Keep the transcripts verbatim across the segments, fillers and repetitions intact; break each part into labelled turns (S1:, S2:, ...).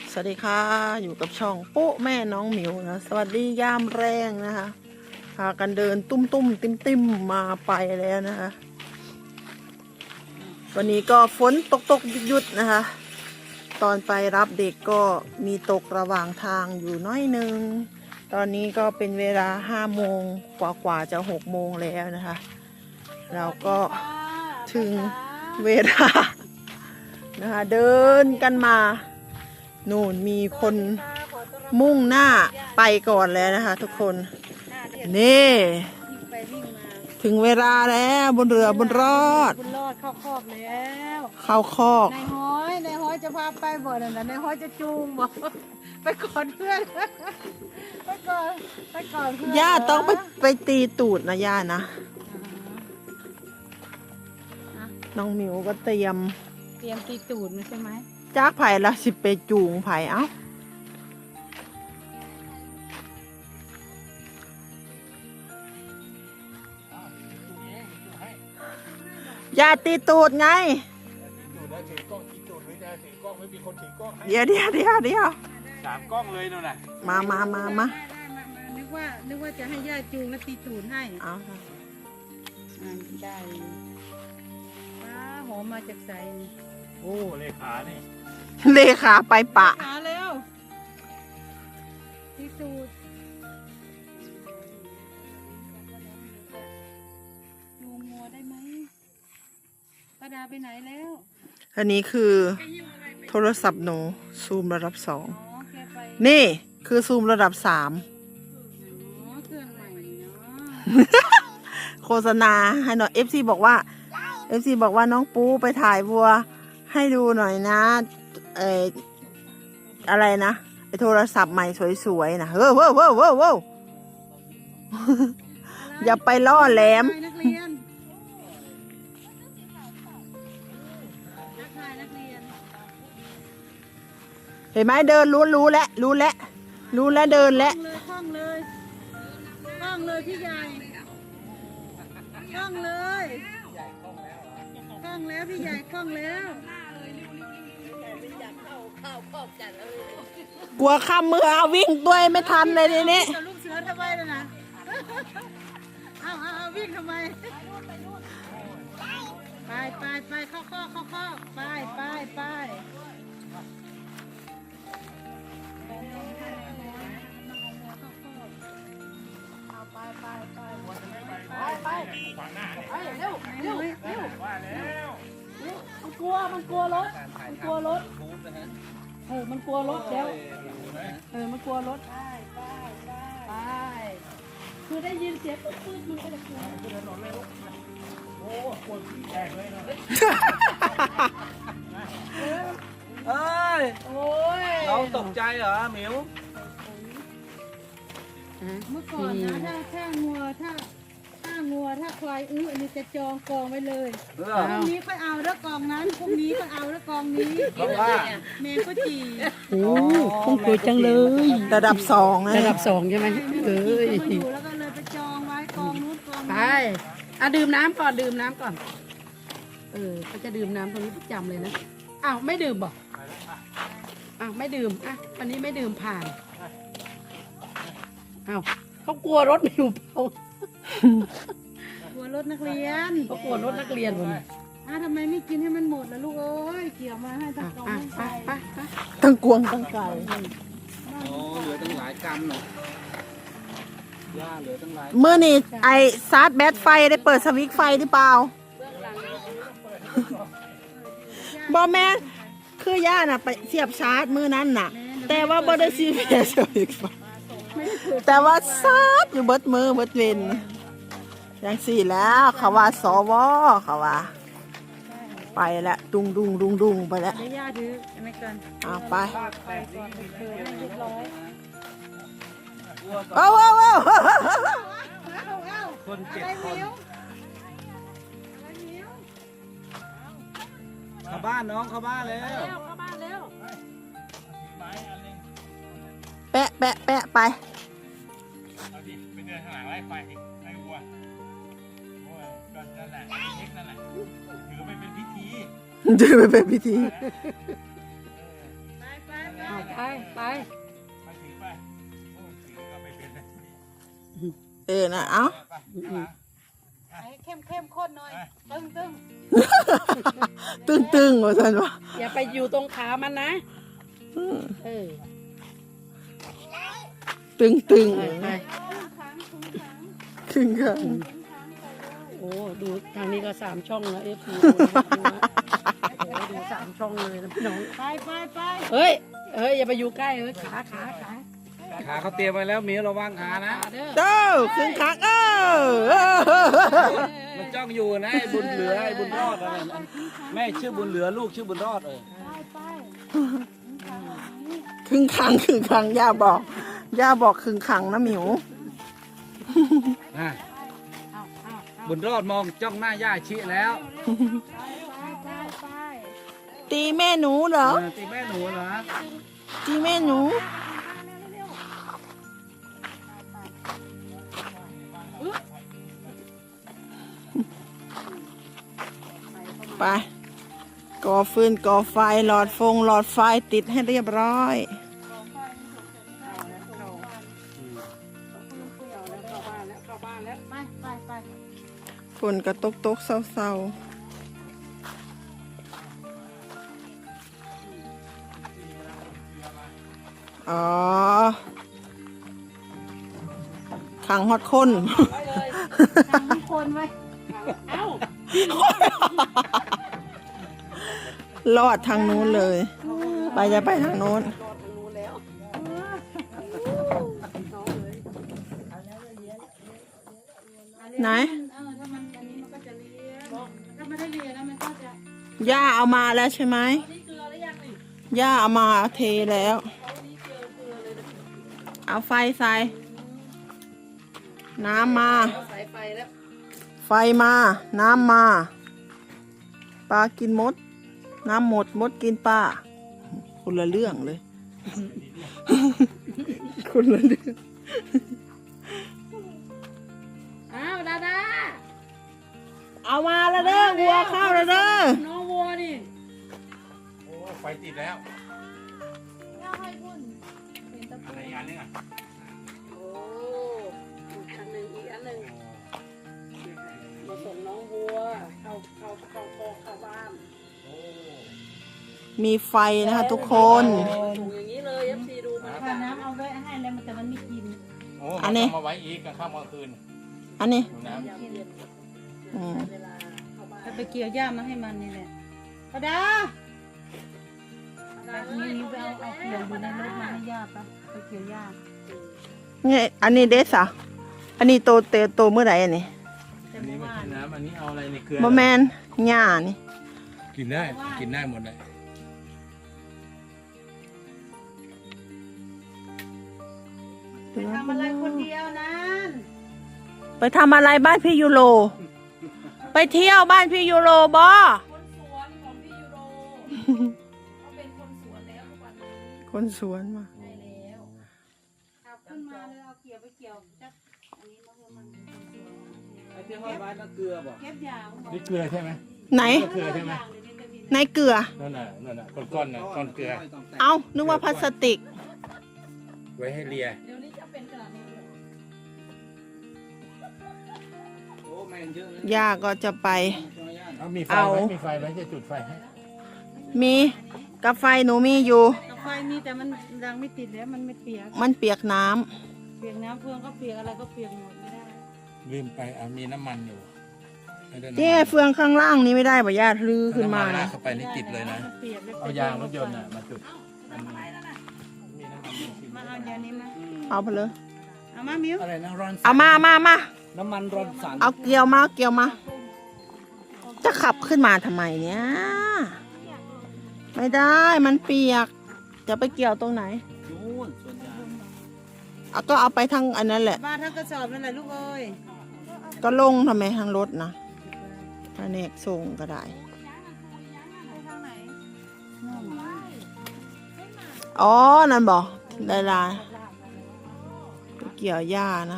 S1: สวัสดีค่ะอยู่กับช่องปุ๊แม่น้องหมิวนะสวัสดียามแรงนะคะพากันเดินตุ้มตุ้มติมติมมาไปแล้วนะคะวันนี้ก็ฝนตกตกหยุดหยุดนะคะตอนไปรับเด็กก็มีตกระหว่างทางอยู่น้อยนึงตอนนี้ก็เป็นเวลาห้าโมงกว่ากว่าจะหกโมงแล้วนะคะเราก็ถึงเวลานะคะเดินกันมานู่นมีคนมุ่งหน้าไปก่อนแล้วนะคะทุกคนนี่ถึงเวลาแล้วบนเรือบนรอด
S2: บนรอดเข้าคอกแล้ว
S1: เข้าคอก
S2: นายห้อยนายห้อยจะพาไปบ่นั่นน่ะนายห้อยจะจูงบ่ไปก่อนเพื่อนไปก่อนไปก่อนเพื่อน
S1: ย่าต้องไปไปตีตูดนะย่านะน้องหมิวก็เตรียม
S2: เตรียมตีตูดมันใช่ไหม
S1: จากไผ่ละสิไปจูงไผ่เอ้าอย่าตีตูดไงเดี๋ยวเดี๋ยวเดี๋ยวเดี๋ยว
S3: สามกล้องเลยนู่นน่ะ
S1: มามามามา
S2: นึกว่านึกว่าจะให้ย่าจูงแล้วตีตูดให้
S1: เอา
S2: อ่าได้ป้าหอมมาจากใสนี่
S3: โอ้เลขานี่
S1: เลขาไปปะ
S2: หาเร็วตีตูดจูงงัวได้ไหมป้าดาไปไหนแล้ว
S1: อันนี้คือโทรศัพท์หนูซูมระดับสอง
S2: อ๋อแกไป
S1: นี่คือซูมระดับสาม
S2: อ๋อเครื่องใหม่เนาะ
S1: โฆษณาให้หน่อย เอฟ ซี บอกว่า เอฟ ซี บอกว่าน้องปูไปถ่ายวัวให้ดูหน่อยนะเอออะไรนะไอโทรศัพท์ใหม่สวยๆนะเฮ้อเว้อเว้อเว้อเว้ออย่าไปล่อแหลม
S2: นักเรียนนักทายนักเรียน
S1: เห็นไหมเดินรู้รู้แล้วรู้แล้วรู้แล้วเดินแล้ว
S2: เลยคล่องเลยคล่องเลยพี่ใหญ่คล่องเลยคล่องแล้วพี่ใหญ่คล่องแล้ว
S1: กลัวข้ามมือเอาวิ่งด้วยไม่ทันเลยทีนี้
S2: กับลูกเสือทำไมล่ะนะเอาเอาเอาวิ่งทำไมไปไปไปเข้าข้อเข้าข้อไปไปไปเอาไปไปไปไปไปไปเร็วเร็วเร็ว
S3: ว่าแล้ว
S2: มันกลัวมันกลัวรถมันกลัวรถเออมันกลัวรถเดี๋ยวเออมันกลัวรถไปไปไปคือได้ยินเสียงปุ๊บปุ๊บมันก็จะกลัว
S3: โอ้ปวดที่แตกเลยเนาะ
S4: เอ้ย
S2: โอ้ย
S4: เราตกใจเหรอหมิว
S2: เมื่อก่อนนะถ้าถ้างัวถ้าถ้างัวถ้าควายอื้ออันนี้จะจองกองไว้เลย
S4: เอ
S2: พ
S4: อ
S2: รุ่งนี้ค่อยเอาแล้วกองนั้นพรุ่งนี้ค่อยเอาแล้วกองนี้
S4: เพราะว่า
S2: เมย์ก็จี
S1: โอ้คงสวยจังเลยระดับสองนะ
S5: ระดับสองใช่ไหมเอ้ย
S2: ก็อยู่แล้วก็เลยไปจองไว้กองนู้นกอง
S5: ไป
S2: นี้
S5: อ่ะดื่มน้ำก่อนดื่มน้ำก่อน เออเขาจะดื่มน้ำตรงนี้ประจำเลยนะ อ้าวไม่ดื่มบอกอ้าวไม่ดื่ม อ่ะวันนี้ไม่ดื่มผ่าน อ้าวเขากลัวรถไม่อยู่เปล่าก
S2: ลัวรถนักเรียน
S5: เขากลัวรถนักเรียนคนนี้
S2: อ่ะทำไมไม่กินให้มันหมดล่ะลูกเอ้ยเกี่ยวมาให้ทั้
S5: อ่ะ
S2: งกอง
S5: อ่ะ
S2: ทั้ง
S5: ไป
S2: ใส่
S5: ไปไป
S1: ทั้งกวงทั้งไก่
S4: โอ้เหลือตั้งหลายกรัมเนาะย่าเหลือตั้งหลาย
S1: เมื่อนี่ไอซาร์ดแบตไฟได้เปิดสวิตช์ไฟหรือเปล่าบอแม่คือย่าน่ะไปเสียบชาร์จมือนั้นน่ะ แต่ว่าบอได้ซีเพียสวิตช์ไฟแต่ว่าซาร์จอยู่เบิดมือเบิดเวนอย่างสี่แล้วเขาว่าสวเขาว่าไปแล้วดุงดุงดุงดุงไปแล้ว
S2: เดี๋ยวย่าถือไอ้ไม่เกิน
S1: เอาไป
S2: ไปก่อนเปิดให้เรียบร้อย
S1: เอาเอาเอา
S2: เอาเอา
S4: คนเจ็ด
S2: อะไร
S4: คน
S2: มิ้วอะไรมิ้ว
S4: เข้าบ้านน้องเข้าบ้านแล้ว
S2: แล้วเข้าบ้านแล้ว
S3: ไม้อันนึง
S1: แปะแปะแปะไป
S3: เอาดิไปเดินข้างหลังไล่ไฟไล่วัวโอ้ยก็นั่นแหละเล็กนั่นแหละถือไปเป็นพิธี
S1: จะไปเป็นพิธี
S2: ไปไปไป
S5: เอาไป
S1: เออนะเอ้า
S2: เข้มเข้มข้นหน่อยตึงตึง
S1: ตึ้งตึ้งว่าสันวะ
S5: อย่าไปอยู่ตรงขามันนะ เออ
S1: ตึ้งตึ้ง
S5: ไปไป
S1: ครึ่งข้าง
S5: โอ้ดูทางนี้ก็สามช่องแล้วเอฟซีโอ้ดูสามช่องเลยนะพี่น้อง
S2: ไปไปไป
S5: เฮ้ยเฮ้ยอย่าไปอยู่ใกล้เฮ้ยขาขาขา
S4: ขาเขาเตรียมไว้แล้วหมีระวังขานะ
S5: ขาเด้อ
S1: เจ้าครึ่งข้างเออ
S4: มันจ้องอยู่นะไอ้บุญเหลือไอ้บุญรอดอะไรนะแม่ชื่อบุญเหลือลูกชื่อบุญรอดเออ
S1: ครึ่งข้างครึ่งข้างย่าบอกย่าบอกครึ่งข้างนะหมิว
S4: นะบุญรอดมองจ้องหน้าย่าชี้แล้ว
S1: ตีแม่หนูเหรอ
S4: เออตีแม่หนูเหรอ
S1: ตีแม่หนูไปก่อฟืนก่อไฟหลอดฟงหลอดไฟติดให้เรียบร้อย
S2: ไปไปไป
S1: ฝนกระตกตกเศร้าๆอ๋อขังฮอดคน
S2: ทำทุกคนไว้
S5: เอ้าร
S1: อดทางนู้นเลย ไปจะไปทางนู้น ไหน
S2: เออถ้ามันอันนี้มันก็จะเลียถ้าไม่ได้เลียนะมันก็จะ
S1: ย่าเอามาแล้วใช่ไหม
S2: นี่เกลือหรือยังนี่
S1: ย่าเอามาเทแล้ว เอาไฟใส่ น้ำมา
S5: สายไฟแล้ว
S1: ไฟมา น้ำมา ปลากินมด น้ำหมดมดกินปลาคนละเรื่องเลย คนละเรื่อง
S2: อ้าวดาดา
S1: เอามาแล้วเด้อวัวเข้าแล้วเด้อ
S2: น้องวัวนี่
S3: โอ้ไฟติดแล้ว
S2: ย่าให้คุณเป็นตะ
S3: อะไร
S2: ปู
S3: อีกอันนึงอ่ะ
S5: โอ้อีกอันหนึ่งอีกอันหนึ่งมาส่งน้องวัวเข้าเข้าเข้าคอกเข้าบ้าน
S3: โอ้
S1: มีไฟนะคะทุกคน
S5: ถูกอย่างนี้เลยเอฟซีดูมัน
S2: ถ้าน้ำเอาไว้ให้แล้วมันแต่มันไม่กิน
S3: โอ้
S1: อันนี้
S3: มาไว้อีกกลางค่ำกลางคืน
S1: อันนี้
S3: ดูน้ำ
S1: อืม
S5: เวลาเข้าบ้าน
S2: ถ้าไปเกี่ยวหญ้ามาให้มันนี่แหละดาดามีมีไปเอาเอาเกี่ยวอยู่ในรถมาให้หญ้าปะไปเกี่ยวหญ้า
S1: นี่อันนี้เดสอะอันนี้โตเตโตเมื่อไหร่อันนี้
S2: แต่
S3: อัน
S2: เมื่
S3: นี้
S2: อ
S3: ไม่
S2: วา
S3: กิ
S2: น
S3: นน้ำอันนี้เอาอะไรในเกลือ
S1: บะแมนหญ้านี่
S3: กินได้กินได้หมดเลย
S2: ไปทำอะไรคนเดียวนั้น
S1: ไปทำอะไรบ้านพี่ยูโร ไปเที่ยวบ้านพี่ยูโรบอ
S2: คนสวนของพี่ยูโรเขาเป็นคนสวนแล้วทุกวันนี้
S1: คนสวนมา
S2: ได้แล้วเอาขึ้นมาเลยเอาเกี่ยวไปเกี่ยวจักอันนี้มันคือมันเป็นคนสวน
S4: ไอ้ที่ห้อยไว้นั่นเกลือบอก
S2: เก็บยางบอก
S3: นี่เกลือใช่ไหม
S1: ไหน
S3: เกลือใช่ไหม
S2: ยางเดี๋ยวนี้จะมี
S1: ในเกลือ
S3: นั่นน่ะนั่นน่ะก้อนๆน่ะก้อนเกลือ
S1: เอา นึกว่าพลาสติก
S3: ไว้ให้เลีย
S2: เดี๋ยวนี้จะเป็นขนาดนี้เลย
S4: โอ้แมงเยอะนะ
S1: ย่าก็จะไป
S3: เอามีไฟ
S1: เอา
S3: ไหมมีไฟไหมจะจุดไฟให้
S1: มีกาไฟหนูมีอยู่
S2: กาแฟมีแต่มันยังไม่ติดแล้วมันไม่เปียก
S1: มันเปียกน้ำ
S2: เปียกน้ำเฟืองก็เปียกอะไรก็เปียกหมดไม่ได้
S3: ลืมไปอ่ะมีน้ำมันอยู่ให้ได้น้ำมัน
S1: ที่เฟืองข้างล่างนี้ไม่ได้ป่ะย่าลือขึ้นมา
S3: เอำลา
S1: นะ
S3: ดเข้าไปนี่ติดเลยนะ
S2: เปียกแล้ว
S3: เอายางรถยนต์น่ะมาจุดอันนี้มีน้ำมันอยู่ที่
S2: มาเอาเดี๋ยวนี้มา
S1: เอาไปเลย
S2: เอามามิว
S4: อะไรนะร้อน
S1: เอามามามา
S4: น้ำมันร้อนสัน
S1: เอาเกลียวมาเกลียวมา จะขับขึ้นมาทำไมเนี่ย ไม่ได้มันเปียก จะไปเกี่ยวตรงไหน
S4: นู่นส่วนยาง
S1: เอาก็เอาไปทางอันนั้นแหละ
S2: บ้านถ้ากระสอบนั่นแหละลูกเอ้ย
S1: ก็ลงทำไมทางรถนะแผนกส่งก็ได้ อ๋อ นั่นบอกได้ลาไปเกี่ยวหญ้านะ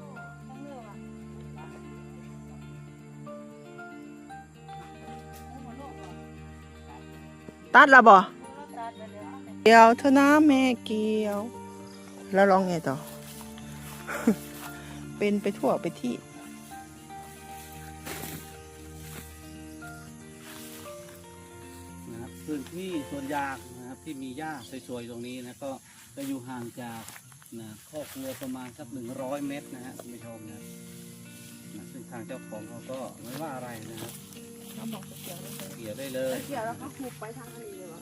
S1: ตัดแล้วบ่เกี่ยวเถอะนะแม่เกี่ยว แล้วร้องไงต่อเป็นไปทั่วไปที่
S4: นะครับพื้นที่สวนยางนะครับที่มีหญ้าสวยๆตรงนี้นะก็จะอยู่ห่างจากนะครอบครัวประมาณสักหนึ่งร้อยเมตรนะฮะคุณผู้ชมนะนะซึ่งทางเจ้าของเขาก็ไม่ว่าอะไรนะครับ
S1: เขาบอกเกี่ยวได้เลย
S4: เกี่ยวได้เลย
S1: เกี่ยวแล้วก็หุบไปทางอันนี้เลยวะ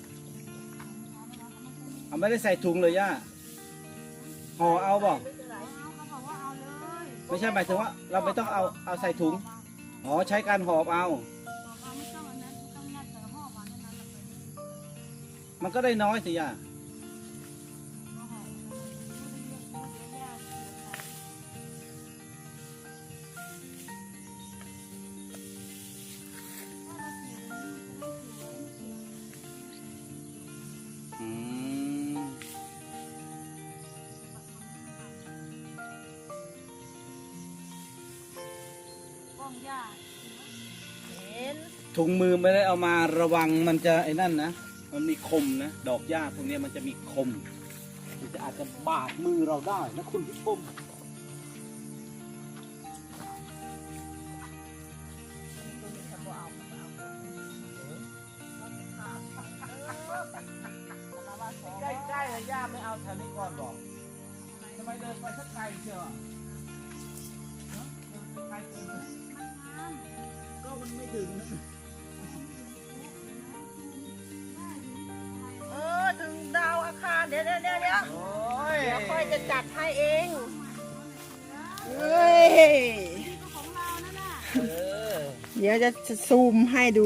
S4: เอาไม่ได้ใส่ถุงเลยย่าห่อเอาบอกไม่ใช่หมายถึงว่าเราไม่ต้องเอาเอาใส่ถุงอ๋อใช้การหอบเอา มันก็ได้น้อยสิย่าอืม ถุงมือไม่ได้เอามาระวังมันจะไอ้นั่นนะ มันมีคมนะ ดอกหญ้าพวกนี้มันจะมีคม มันจะอาจจะบาดมือเราได้นะคุณผู้ชมใกล้ๆเลยย่าไม่เอาแถวนี้ก่อนบอกทำไมเดินไปสักไกลเชียวอ่ะเนอะเดินไปไกลเกินไปก็มันไม่ถึง
S1: เออถึงดาวอาคารเดี๋ยวเดี๋ยวเดี๋ยวเดี๋ยว
S4: โอ้ย
S1: เดี๋ยวค่อยจะจัดให้เองเฮ้ย
S4: เออ
S1: เดี๋ยวจะซูมให้ดู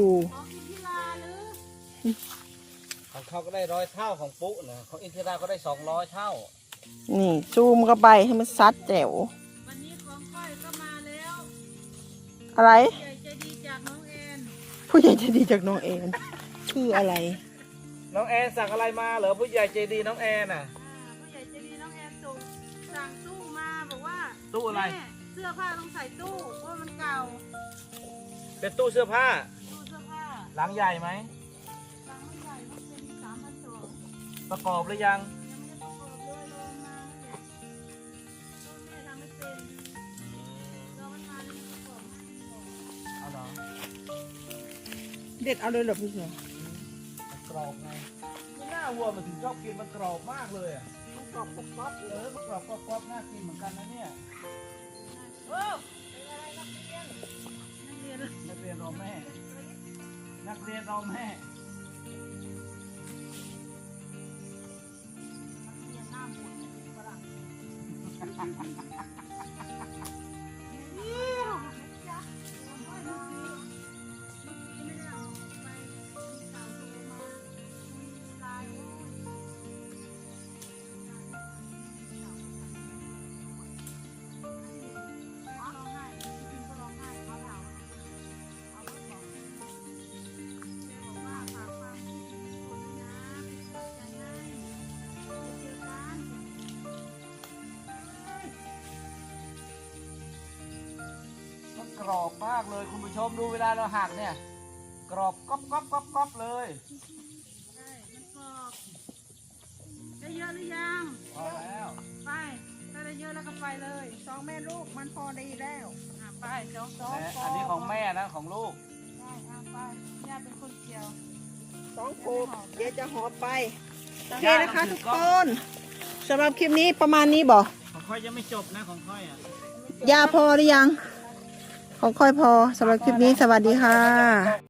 S4: ของเขาก็ได้ร้อยเท่าของปุ๊นะของอินทิราก็ได้สองร้อยเท่า
S1: นี่ซูมเข้าไปให้มันซัดแจ๋ว
S2: วันนี้ของก้อยก็มาแล้ว
S1: อะไร
S2: ใหญ่ใจดีจากน้องแอน
S1: ผู้ใหญ่ใจะดีจากน้องเองคืออะไร
S4: น้องแอนสั่งอะไรมาเหรอผู้ใหญ่ใจดีน้องแอนอ่ะ
S2: อ่าผู้ใหญ่ใจดีน้องแอนส่งสั่งตู้มาบอกว่า
S4: ตู้อะไร
S2: แม่เสื้อผ้าต้องใส่ตู้เพราะมันเก่า
S4: เป็นตู้เสื้อผ้า
S2: ตู้เสื้อผ้า
S4: หลังใหญ่ไหม
S2: สั่งไม่ใหญ่ต้องเป็นสามพันสอง
S4: ประกอบหรือยัง
S2: ยังไม่ได้ประกอบเลยรอมาเนี่ยก็แม่ทำไม่เป็นรอมันมาแล้วมันประกอบให้ก่อน
S4: เอาเหรอ
S1: เด็ดเอาเลยเหรอพี่เสือ
S4: มันกรอบไงไม่น่าวัวมันถึงชอบกินมันกรอบมากเลยอ่ะ
S1: มันกรอบกรอบ
S4: เออมันกรอบกรอบกรอบน่ากินเหมือนกันนะเนี่ย
S2: โอ้เป็นอะไรนักเรียนนักเรียน
S4: นักเรียนรอแม่ นักเรียนรอแม่
S2: เรียนหน้าหมุนฝรั่ง
S4: มันกรอบมากเลยคุณผู้ชมดูเวลาเราหักเนี่ย กรอบก๊อบก๊อบก๊อบก๊อบเลย
S2: ใช่มันกรอบได้เยอะหรือยัง
S4: พอแล้ว
S2: ไป ถ้าได้เยอะแล้วก็ไปเลยสองแม่ลูกมันพอดีแล้วอ่ะไปสองสอง
S4: และ
S2: พ
S4: อันนี้ของแม่นะของลูก
S2: ได้อ่ะไปย่าเป็นคนเกี่ยว
S1: สองโคบเดี๋ยวจะหอบไปโอเค
S4: ย่า
S1: นะคะ
S4: ถื
S1: ทุ
S4: อก กล้
S1: ค
S4: อง
S1: นสำหรับคลิปนี้ประมาณนี้บ่
S4: ของค่อยยังไม่จบนะของค่อยอ่ะ
S1: ยาพอหรือยัง ของค่อยพอสำหรับคลิปนี้สวัสดีค่ะ